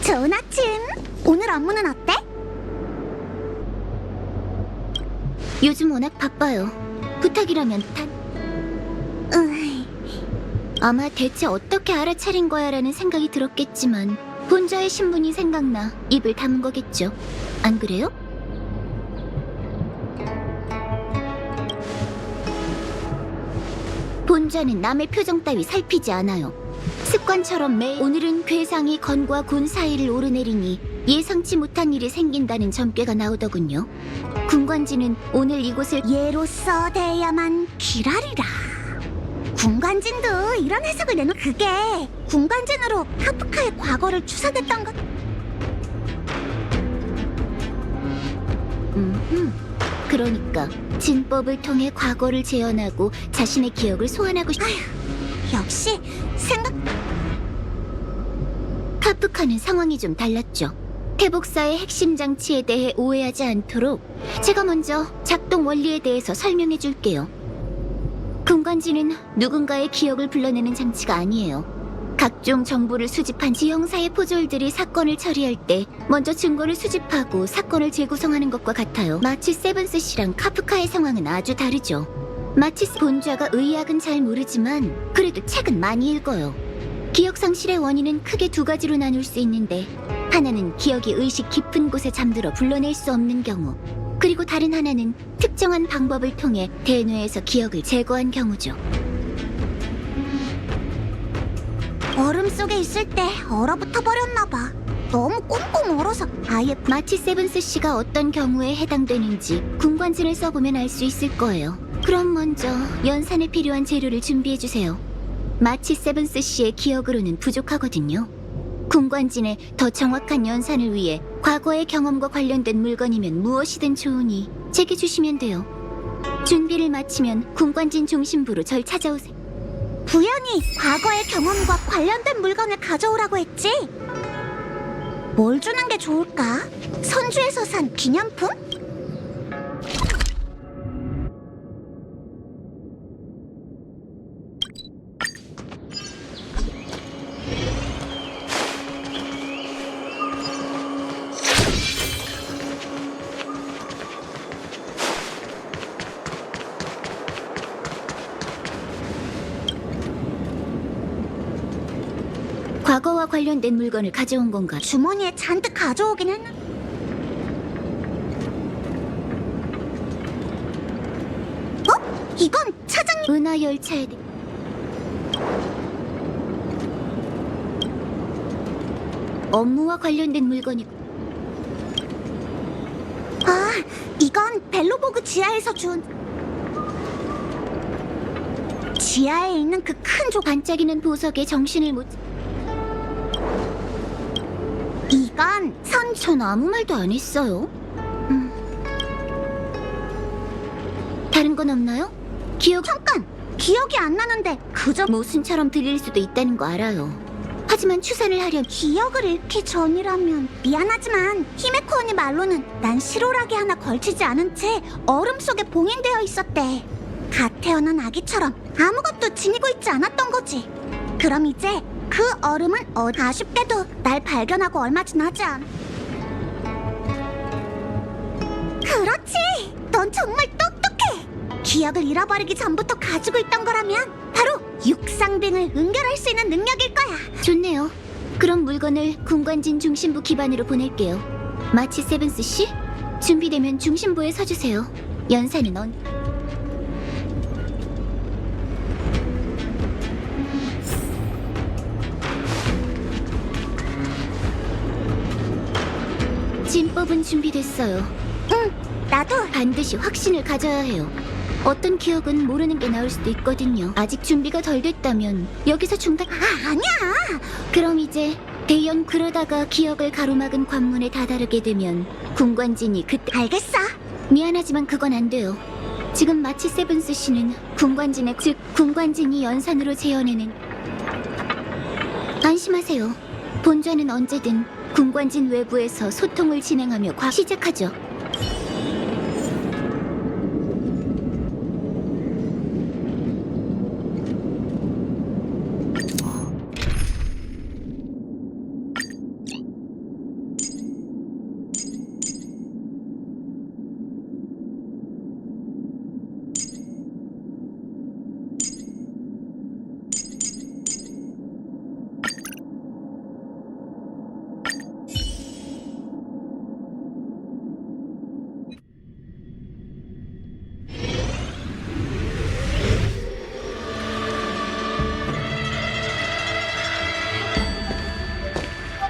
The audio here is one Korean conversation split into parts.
좋은 아침. 오늘 업무는 어때? 요즘 워낙 바빠요. 부탁이라면 으이, 아마 대체 어떻게 알아차린 거야라는 생각이 들었겠지만 본자의 신분이 생각나 입을 다문 거겠죠. 안 그래요? 본자는 남의 표정 따위 살피지 않아요. 습관처럼 오늘은 괴상이 건과 곤 사이를 오르내리니 예상치 못한 일이 생긴다는 점괘가 나오더군요. 군관지는 오늘 이곳을 얘로서 대야만 기라리라. 군관진도 이런 해석을 내놓. 그게 군관진으로 카프카의 과거를 추사됐던 것. 그러니까 진법을 통해 과거를 재현하고 자신의 기억을 소환하고 역시 생각. 카프카는 상황이 좀 달랐죠. 태복사의 핵심 장치에 대해 오해하지 않도록 제가 먼저 작동 원리에 대해서 설명해 줄게요. 군관지는 누군가의 기억을 불러내는 장치가 아니에요. 각종 정보를 수집한 지형사의 포졸들이 사건을 처리할 때 먼저 증거를 수집하고 사건을 재구성하는 것과 같아요. 마치 세븐스 씨랑 카프카의 상황은 아주 다르죠. 마치 본좌가 의학은 잘 모르지만 그래도 책은 많이 읽어요. 기억 상실의 원인은 크게 두 가지로 나눌 수 있는데, 하나는 기억이 의식 깊은 곳에 잠들어 불러낼 수 없는 경우, 그리고 다른 하나는 특정한 방법을 통해 대뇌에서 기억을 제거한 경우죠. 얼음 속에 있을 때 얼어붙어 버렸나봐. 너무 꽁꽁 얼어서 아예. 마치 세븐스 씨가 어떤 경우에 해당되는지 군관진을 써보면 알 수 있을 거예요. 그럼 먼저 연산에 필요한 재료를 준비해주세요. 마치 세븐스 씨의 기억으로는 부족하거든요. 군관진의 더 정확한 연산을 위해 과거의 경험과 관련된 물건이면 무엇이든 좋으니 제게 주시면 돼요. 준비를 마치면 군관진 중심부로 절 찾아오세요. 부연이 과거의 경험과 관련된 물건을 가져오라고 했지? 뭘 주는 게 좋을까? 선주에서 산 기념품? 과거와 관련된 물건을 가져온 건가? 주머니에 잔뜩 가져오긴 했는. 어? 이건 차장님. 은하 열차에 업무와 관련된 물건이고. 아, 이건 벨로보그 지하에서 준. 지하에 있는 그 큰 반짝이는 보석에 정신을 못. 이건 전 아무 말도 안 했어요. 다른 건 없나요? 잠깐! 기억이 안 나는데 그저 모순처럼 들릴 수도 있다는 거 알아요. 하지만 추산을 하려 기억을 잃기 전이라면. 미안하지만 히메코 언니 말로는 난 실오라기 하나 걸치지 않은 채 얼음 속에 봉인되어 있었대. 갓 태어난 아기처럼 아무것도 지니고 있지 않았던 거지. 그럼 이제 그 얼음은 아쉽게도 날 발견하고 얼마 지나지 않. 그렇지! 넌 정말 똑똑해! 기억을 잃어버리기 전부터 가지고 있던 거라면 바로 육상빙을 응결할 수 있는 능력일 거야. 좋네요. 그럼 물건을 군관진 중심부 기반으로 보낼게요. 마치 세븐스 씨, 준비되면 중심부에 서주세요. 연산은 진법은 준비됐어요. 응, 나도. 반드시 확신을 가져야 해요. 어떤 기억은 모르는 게 나올 수도 있거든요. 아직 준비가 덜 됐다면 여기서 중단. 아니야. 그럼 이제 대연 그러다가 기억을 가로막은 관문에 다다르게 되면 군관진이 그때. 알겠어. 미안하지만 그건 안 돼요. 지금 마치 세븐스 씨는 즉 군관진이 연산으로 재현해낸. 안심하세요. 본좌는 언제든 군관진 외부에서 소통을 진행하며 시작하죠.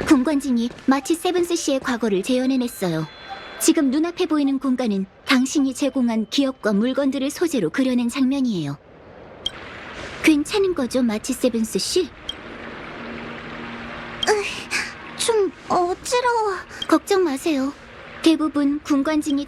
공관진이 마치 세븐스 씨의 과거를 재현해냈어요. 지금 눈앞에 보이는 공간은 당신이 제공한 기억과 물건들을 소재로 그려낸 장면이에요. 괜찮은 거죠, 마치 세븐스 씨? 좀 어지러워. 걱정 마세요. 대부분 공관진이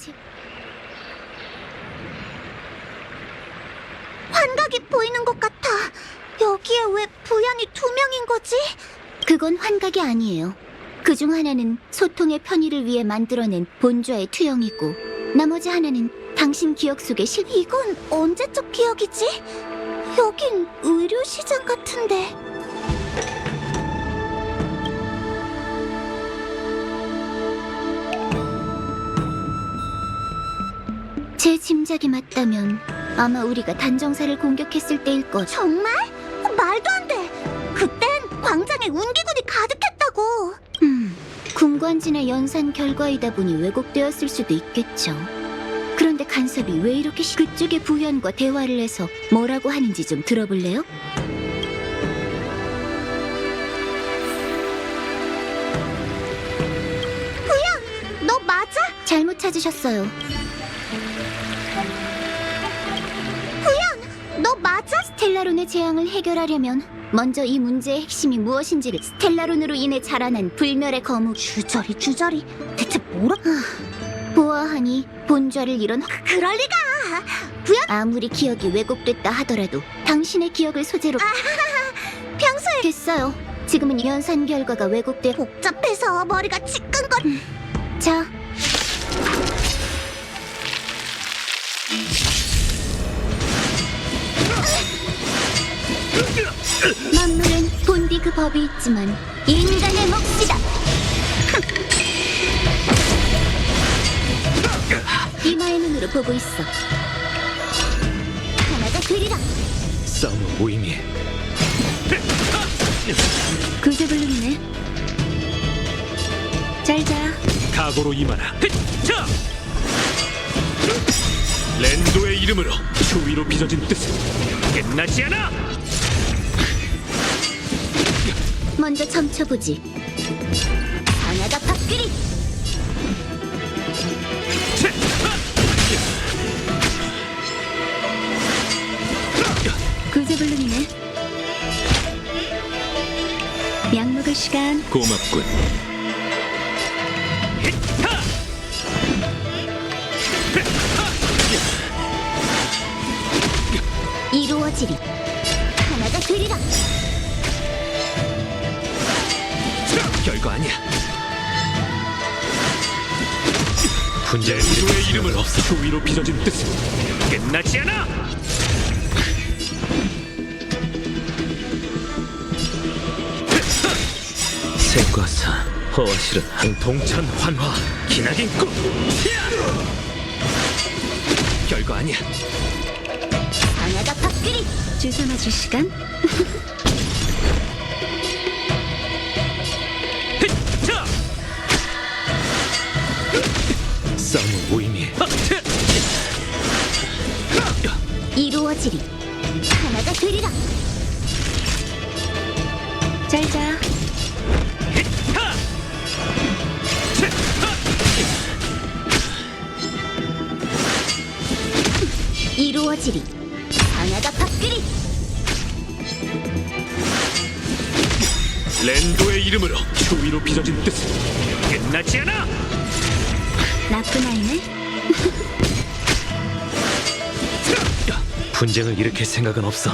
환각이 보이는 것 같아. 여기에 왜 부연이 2명인 거지? 그건 환각이 아니에요. 그중 하나는 소통의 편의를 위해 만들어낸 본좌의 투영이고 나머지 하나는 당신 기억 속의 이건 언제적 기억이지? 여긴 의료시장 같은데. 제 짐작이 맞다면 아마 우리가 단정사를 공격했을 때일 거죠. 정말? 말도 안 돼. 그땐 광장에 운기군이 가득했다고. 군관진의 연산 결과이다 보니 왜곡되었을 수도 있겠죠. 그런데 간섭이 왜 이렇게 그쪽의 부현과 대화를 해서 뭐라고 하는지 좀 들어볼래요? 너 맞아? 잘못 찾으셨어요. 너 맞아? 스텔라론의 재앙을 해결하려면 먼저 이 문제의 핵심이 무엇인지를 스텔라론으로 인해 자라난 불멸의 거목 주저리. 대체 뭐라? 보아하니 본좌를 잃은 그럴 리가. 아무리 기억이 왜곡됐다 하더라도 당신의 기억을 소재로 평소에 됐어요. 지금은 연산 결과가 왜곡돼. 복잡해서 머리가 지끈거. 자, 만물은 본디 그 법이 있지만 인간의 몫이다. 이마의 눈으로 보고 있어. 하나가 되리라. 싸움은 무의미해. 구조블룸이네. 잘자. 각오로 임하라. 자! 랜도의 이름으로 추위로 빚어진 뜻은 끝나지 않아! 먼저 점쳐보지. 하나가 밥그리. 구조블룸이네. 약 먹을 시간. 고맙군. 이루어지리. 하나가 되리라. 별거 아니야. 랜도의 이름으로 추위로 빚어진 뜻은 끝나지 않아! 생과 사, 허와 실은 한 동천 환화, 기나긴 꿈! 별거 아니야. 하나가 밥그리. 주사 맞을 시간. 자! 싸움은 무의미해. 이루어지리. 하나가 되리라. 잘자. 이루어지리. 하나가 밥그리. 랜도의 이름으로 추위로 빚어진 뜻은 끝나지 않아! 나쁜 아이네. 분쟁을 일으킬 생각은 없어.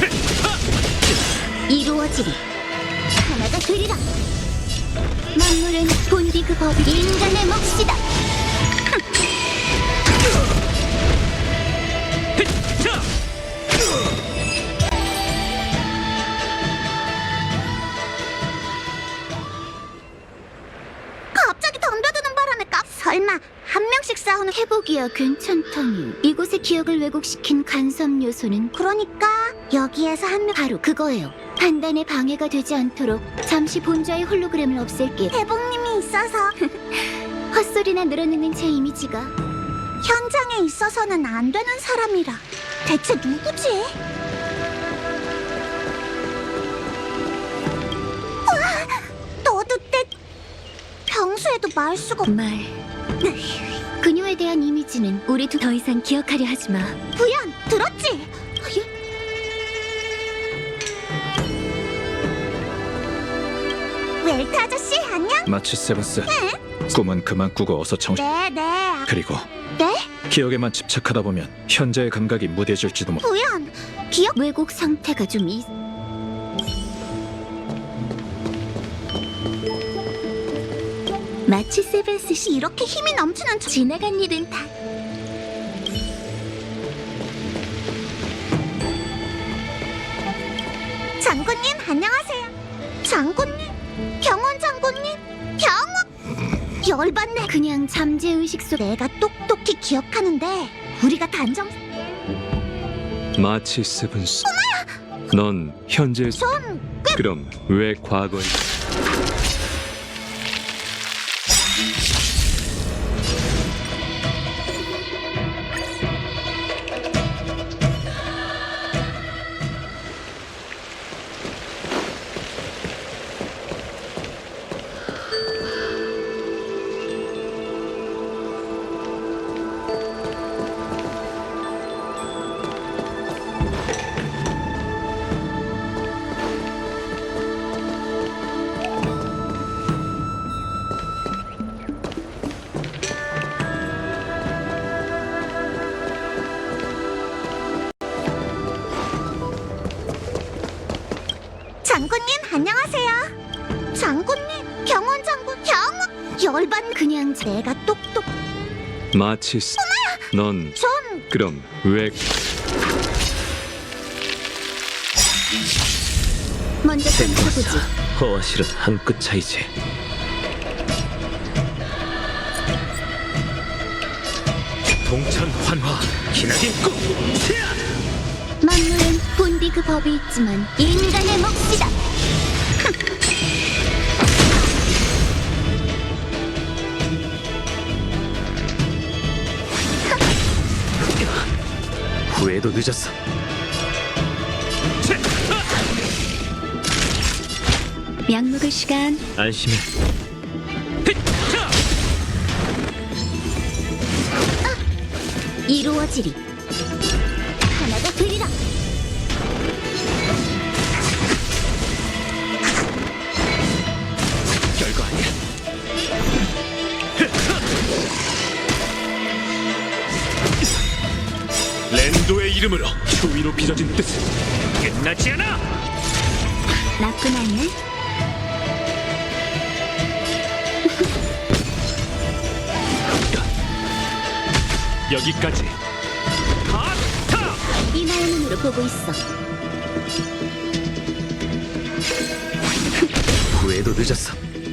이루어지리. 하나가 되리라. 만물은 본디 그 법이 인간의 몫이다. 자! 갑자기 덤벼드는 바람에 설마 한 명씩 싸우는 회복이야 괜찮다니. 이곳의 기억을 왜곡시킨 간섭 요소는 그러니까 여기에서 한 명 바로 그거예요. 판단에 방해가 되지 않도록 잠시 본좌의 홀로그램을 없앨게. 대복님이 있어서 헛소리나 늘어놓는 제 이미지가. 현장에 있어서는 안 되는 사람이라. 대체 누구지? 우와! 너도 내 말 수가 말. 그녀에 대한 이미지는 우리 더 이상 기억하려 하지 마. 부연 들었지? 웰트 아저씨 안녕? 마치 세바스. 꿈은 그만 꾸고 어서 정신. 네. 그리고 네? 기억에만 집착하다 보면 현재의 감각이 무뎌질지도 모르. 부연 기억 왜곡 상태가 좀 마치 세븐스 씨 이렇게 힘이 넘치는 지나간 일은 다 장군님 안녕하세요. 장군님, 경원 장군님, 경원 열받네. 그냥 잠재의식 속 내가 똑똑히 기억하는데 우리가 단정 마치 세븐스. 넌 현재 좀 그럼 왜 과거에 장군님 안녕하세요. 장군님, 경원 장군, 경원 열받네. 그냥 내가 똑똑 마치 넌 좀 그럼 왜 먼저 생과 점쳐보지. 사, 허와 실은 한 끗 차이지. 동천 환화 기나긴 꿈. 만물은 본디 그 법이 있지만 인간의 몫이다. 후회도 늦었어. 약 먹을 시간. 안심해. 이루어지리. 하나가 되리라. 별거 아니야. 랜도의 이름으로 추위로 빚어진 뜻은 끝나지 않아. 나쁜 아이네. 여기까지. 하타! 이마의 눈으로 보고 있어. 후회도 늦었어.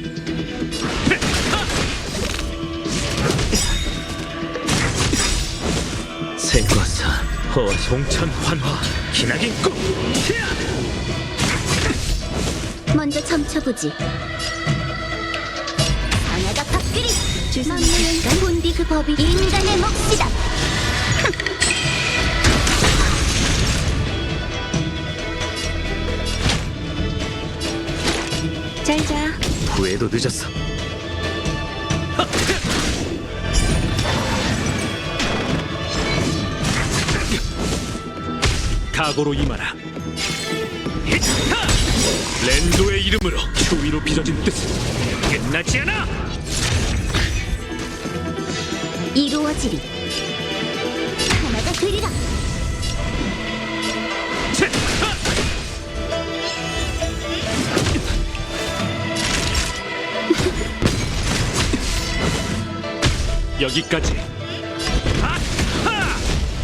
생과사 허와 송천 환화 기나긴 꿈. 먼저 점쳐보지. 하나가 밥그리. 만물은 본디 그 법이 인간의 몫이다. 잘 자. 후회도 늦었어. 각오로 임하라. 랜도의 이름으로 추위로 빚어진 뜻은 끝나지 않아. 이루어지리. 하나가 되리라. 여기까지. 하하!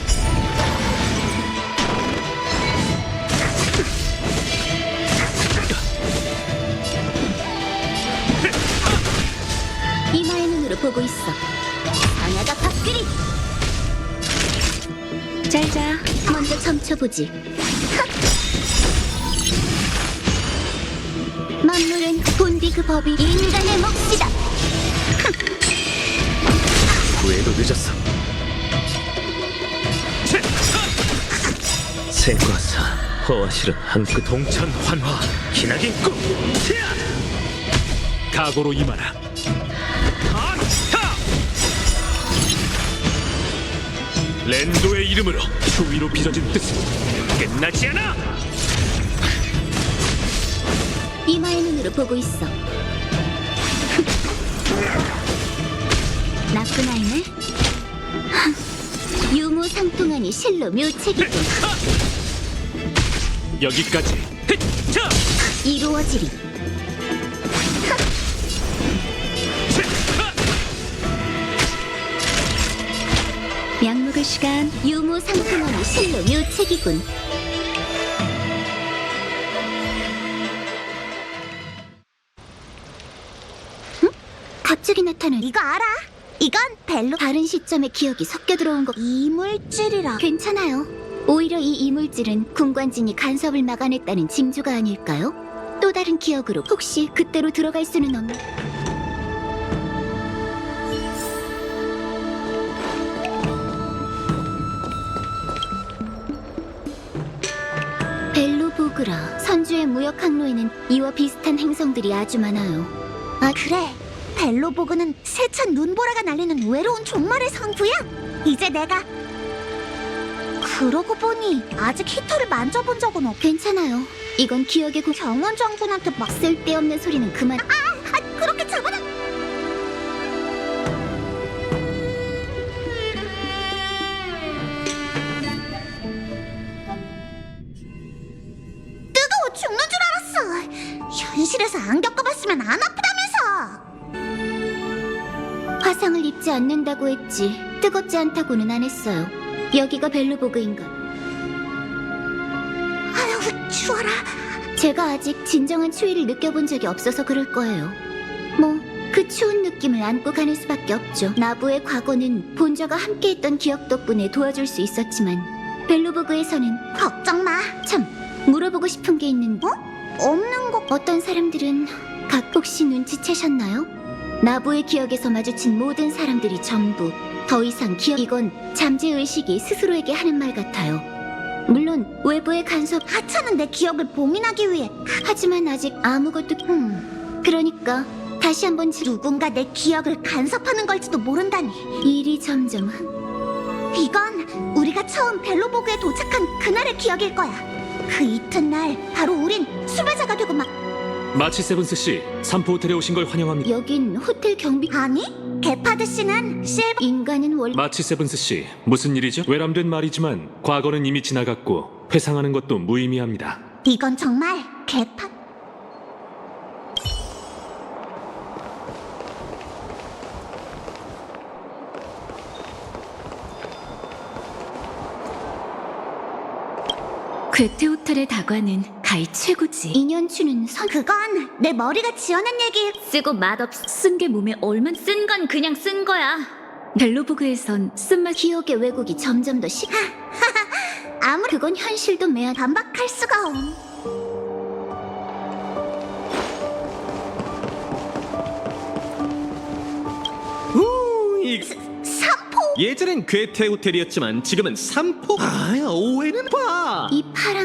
이마의 눈으로 보고 있어. 하나가 밥그리. 잘 자. 먼저 점쳐보지. 만물은 본디 그 법이 인간의 몫이다. 후회도 늦었어. 생과사 허와 실은 한끗 동천 환화 기나긴 꿈. 각오로 임하라. 랜도의 이름으로 추위로 빚어진 뜻은 끝나지 않아! 이마의 눈으로 보고 있어. 나쁜 아이네. 유무상통하니 실로 묘책이군. 여기까지. 자! 이루어지리. 약 먹을 시간. 유무상통하니 실로 묘책이군. 응? 갑자기 나타난 이거 알아? 이건 벨로 다른 시점에 기억이 섞여 들어온 것. 이물질이라. 괜찮아요. 오히려 이 이물질은 군관진이 간섭을 막아냈다는 징조가 아닐까요? 또 다른 기억으로 혹시 그때로 들어갈 수는 없나? 벨로보그라. 선주의 무역 항로에는 이와 비슷한 행성들이 아주 많아요. 아 그래. 벨로보그는 세찬 눈보라가 날리는 외로운 종말의 성부야. 이제 내가 그러고 보니 아직 히터를 만져본 적은 없. 괜찮아요. 이건 기억의 경원 장군한테 막 쓸데없는 소리는 그만. 그렇게 잡아놔. 뜨거워 죽는 줄 알았어. 현실에서 안 겪어봤으면 안 아프다면서. 화상을 입지 않는다고 했지 뜨겁지 않다고는 안 했어요. 여기가 벨로보그인가? 아유 추워라. 제가 아직 진정한 추위를 느껴본 적이 없어서 그럴 거예요. 뭐 그 추운 느낌을 안고 가는 수밖에 없죠. 나부의 과거는 본저가 함께했던 기억 덕분에 도와줄 수 있었지만 벨로보그에서는 걱정 마. 참 물어보고 싶은 게 있는데 없는 거. 어떤 사람들은 각 혹시 눈치채셨나요? 나부의 기억에서 마주친 모든 사람들이 전부 더 이상 기억. 이건 잠재의식이 스스로에게 하는 말 같아요. 물론 외부의 간섭. 하찮은 내 기억을 봉인하기 위해. 하지만 아직 아무것도. 그러니까 다시 한번 누군가 내 기억을 간섭하는 걸지도 모른다니. 일이 점점. 이건 우리가 처음 벨로보그에 도착한 그날의 기억일 거야. 그 이튿날 바로 우린 수배자가 되고 막. 마치 세븐스 씨, 삼포 호텔에 오신 걸 환영합니다. 여긴 호텔 경비. 아니 게파드 씨는 실버. 인간은 원래 마치 세븐스 씨, 무슨 일이죠? 외람된 말이지만 과거는 이미 지나갔고 회상하는 것도 무의미합니다. 이건 정말 게파. 괴테 호텔의 다과는 가히 최고지. 인연추는 선. 그건 내 머리가 지어낸 얘기. 쓰고 맛없. 쓴 게 몸에 얼만 쓴 건 그냥 쓴 거야. 벨로보그에선 쓴맛. 기억의 왜곡이 점점 더 시. 아무리 그건 현실도 매한. 반박할 수가 없. 삼포. 예전엔 괴테 호텔이었지만 지금은 삼포. 아, 오해는 봐. 이 파란.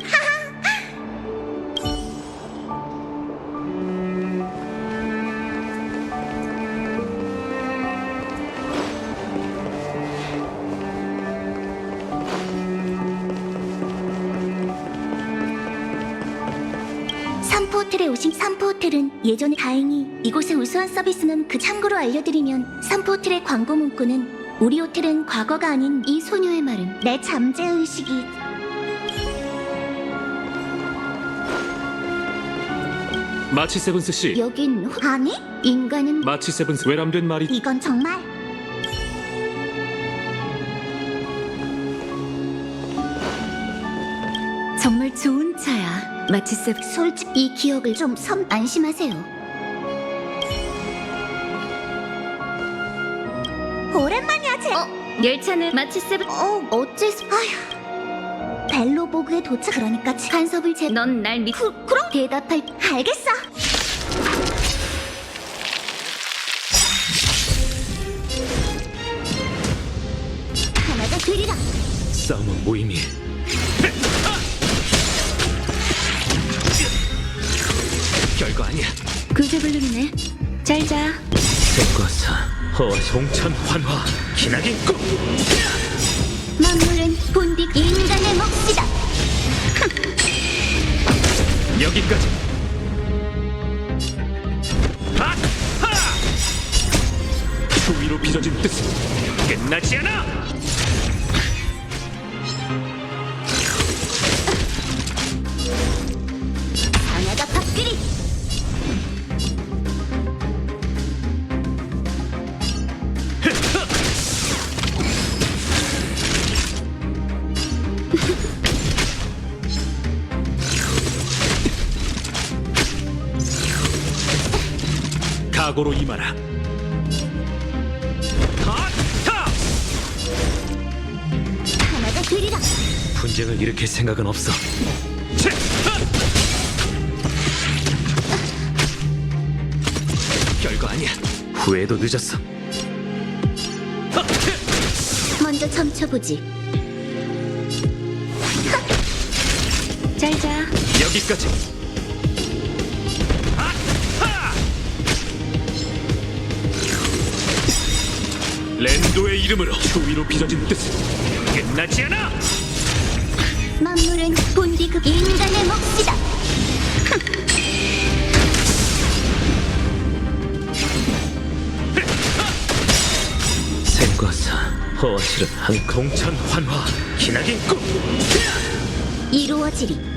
삼포 호텔에 오신. 삼포 호텔은 예전에. 다행히 이곳의 우수한 서비스는 그. 참고로 알려드리면 삼포 호텔의 광고 문구는 우리 호텔은 과거가 아닌 이 소녀의 말은 내 잠재의식이. 마치 세븐스 씨, 여긴 아니 인간은 마치 세븐스 외람된 말이. 이건 정말. 정말 좋은 차야. 마치 세. 솔직히 이 기억을 좀 섬. 안심하세요. 오랜만이야 제. 열차는 마치 세. 어째서 벨로보그에 도착. 그러니까 간섭을 제. 넌날 믿. 그럼 대답할. 알겠어. 하나가 되리라. 싸움은 무의미. 별거 아니야. 구제불능이네. 잘 자. 백과사, 허와 송천 환화, 기나긴 꿈. 만물은 본디 인간의 몫이다. 여기까지. 추위로 빚어진 뜻은 끝나지 않아. 하나가 밥그리. 각오로 임하라. 하나가 되리라. 분쟁을 일으킬 생각은 없어. 별거 아니야. 후회도 늦었어. 먼저 점쳐보지. 잘자. 여기까지. 랜도의 이름으로 추위로 빚어진 뜻은 끝나지 않아. 만물은 본디 그 인간의 몫이다. 생과사 허와실은 한 공천 환화 기나긴 꿈. 이루어지리.